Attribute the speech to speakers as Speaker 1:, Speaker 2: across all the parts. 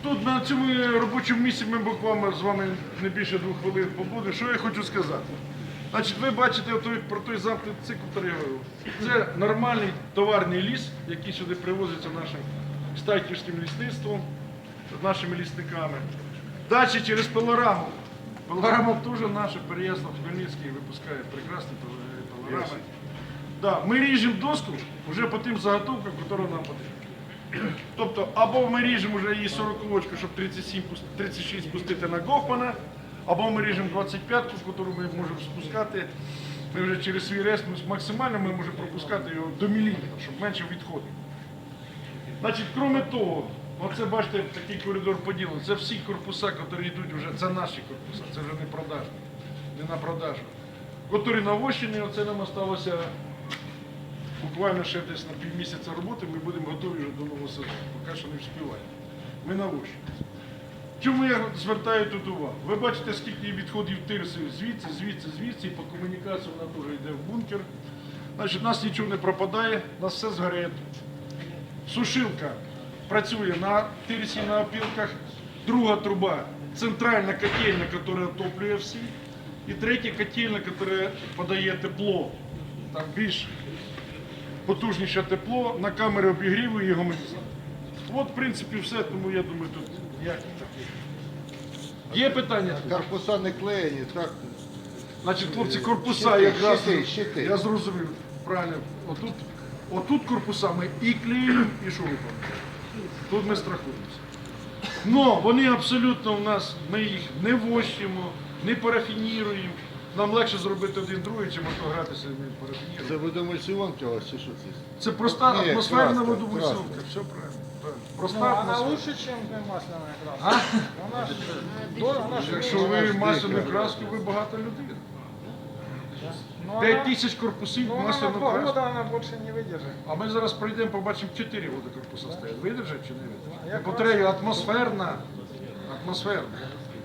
Speaker 1: Тут на цьому робочому місці ми буквально з вами не більше 2 хвилин побудемо. Що я хочу сказати? Значить, ви бачите про той замкнутий цикл, який я говорив. Це нормальний товарний ліс, який сюди привозиться нашим стайківським лісництвом, нашими лісниками. Далі через пилораму. Пилорама теж наша, Переяслав Хмельницький випускає прекрасні пилорами. Да, ми ріжемо доску вже по тим заготовкам, які нам потрібні. Тобто, або ми ріжемо вже її 40-очку, щоб 36 пустити на Гофмана, або ми ріжемо 25-ку, яку ми можемо спускати. Ми вже через свій рез максимально ми можемо пропускати його до міліметра, щоб менше відходів. Значить, крім того, оце бачите, такий коридор поділений. Це всі корпуса, які йдуть вже, це наші корпуса, це вже не продажні, не на продажу. Які навощені, оце нам залишилося буквально ще десь на півмісяця роботи, ми будемо готові вже до нового сезону. Поки що не вспіваємо. Ми навощені. Чому я звертаю тут увагу? Ви бачите, скільки відходів тирси звідси, і по комунікації вона теж йде в бункер. Значить, у нас нічого не пропадає, у нас все згорає тут. Сушилка працює на тирсі, на опілках. Друга труба – центральна котельня, яка отоплює всі. І третя котельня, яка подає тепло. Там більш потужніше тепло, на камери обігріву і гомонізації. От, в принципі, все, тому я думаю, тут ніяких таких. Є питання?
Speaker 2: Корпуса не клеєні, так?
Speaker 1: Значить, хлопці, корпуса якраз,
Speaker 2: щити.
Speaker 1: я зрозумів, правильно, отут корпуса ми і клеїмо, і шурупом. Тут ми страхуємося. Но вони абсолютно у нас, ми їх не вощимо, не парафініруємо. Нам легше зробити один другий, чим гратися не парафініруємо.
Speaker 2: Це водомульсіонка у вас чи що це?
Speaker 1: Це проста
Speaker 2: Ні,
Speaker 1: атмосферна
Speaker 2: краска,
Speaker 1: водомульсіонка,
Speaker 2: краска.
Speaker 1: все правильно. Проста
Speaker 3: Ну, она
Speaker 1: атмосфера.
Speaker 3: лучше, чем масляная краска. Она ж
Speaker 1: Якщо ви масляну краску, ви багата людина. 5 тисяч корпусів
Speaker 3: на
Speaker 1: масляну
Speaker 3: 2
Speaker 1: краску.
Speaker 3: года она больше не выдержит.
Speaker 1: А ми зараз прийдемо, побачимо 4 водокорпуса стоять. Видержать чи не видержать?
Speaker 3: Як
Speaker 1: Потреба атмосферна. Атмосферна.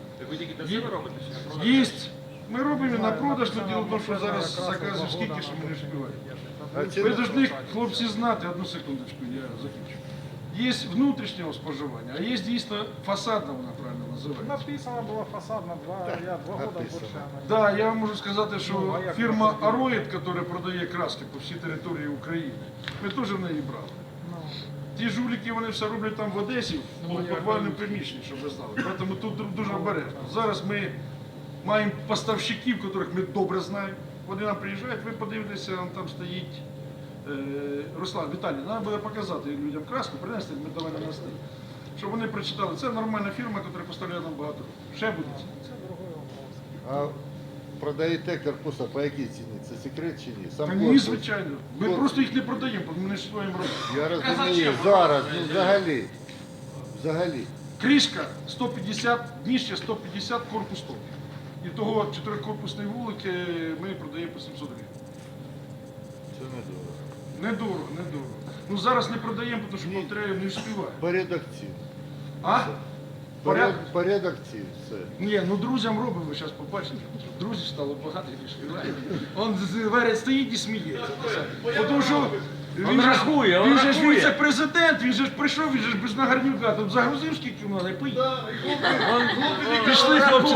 Speaker 1: Єсть. Ми робимо на продаж, але діло в тому, що зараз заказів скільки, що ми не співаємо. Ви повинні, хлопці, знати, одну секундочку, я закінчу. Є внутрішнього споживання, а є дійсно фасадна, вона правильно називається.
Speaker 3: Написано было фасадно, я 2 года больше. она не-
Speaker 1: Так, я вам можу сказати, що
Speaker 3: Ну, а як
Speaker 1: фірма
Speaker 3: ви
Speaker 1: Ароїд, яка продає краски по всій території України, ми теж в неї брали.
Speaker 3: Ну,
Speaker 1: Ті жуліки, вони все роблять там в Одесі, в підвальному приміщенні, щоб ви знали. Тому тут дуже обережно. Зараз ми маємо поставщиків, яких ми добре знаємо. Вони нам приїжджають, ви подивитеся, там стоїть Руслан, Віталій, треба буде показати людям краску, принести, ми давай на стіл. Щоб вони прочитали. Це нормальна фірма, яка поставляє нам багато років. Ще буде.
Speaker 3: це другой вопрос.
Speaker 2: А продаєте корпуса по якій ціні? Це секрет чи ні? Сам
Speaker 1: Та ні,
Speaker 2: корпус?
Speaker 1: звичайно. Ми просто їх не продаємо, бо ми не стоїмо робити.
Speaker 2: Я розумію, зараз, ну взагалі. Взагалі.
Speaker 1: Кришка 150, дніще 150, корпус 100. І того 4-корпусної вулики ми продаємо по 700 гривень.
Speaker 2: Це не дорого.
Speaker 1: Недорого. Ну зараз не продаємо, тому що повторяю, не встигає.
Speaker 2: Порядок цін.
Speaker 1: А? Порядок?
Speaker 2: Порядок цін, все.
Speaker 1: Ні, ну друзям робимо, ви зараз побачите. Друзів стало багато, і співає. Он веред стоїть і сміється. Тому що він же ж віце-президент, він же ж прийшов, він же ж без нагарнюка, тут загрузив скільки треба, і поїхав. Пішли хлопці.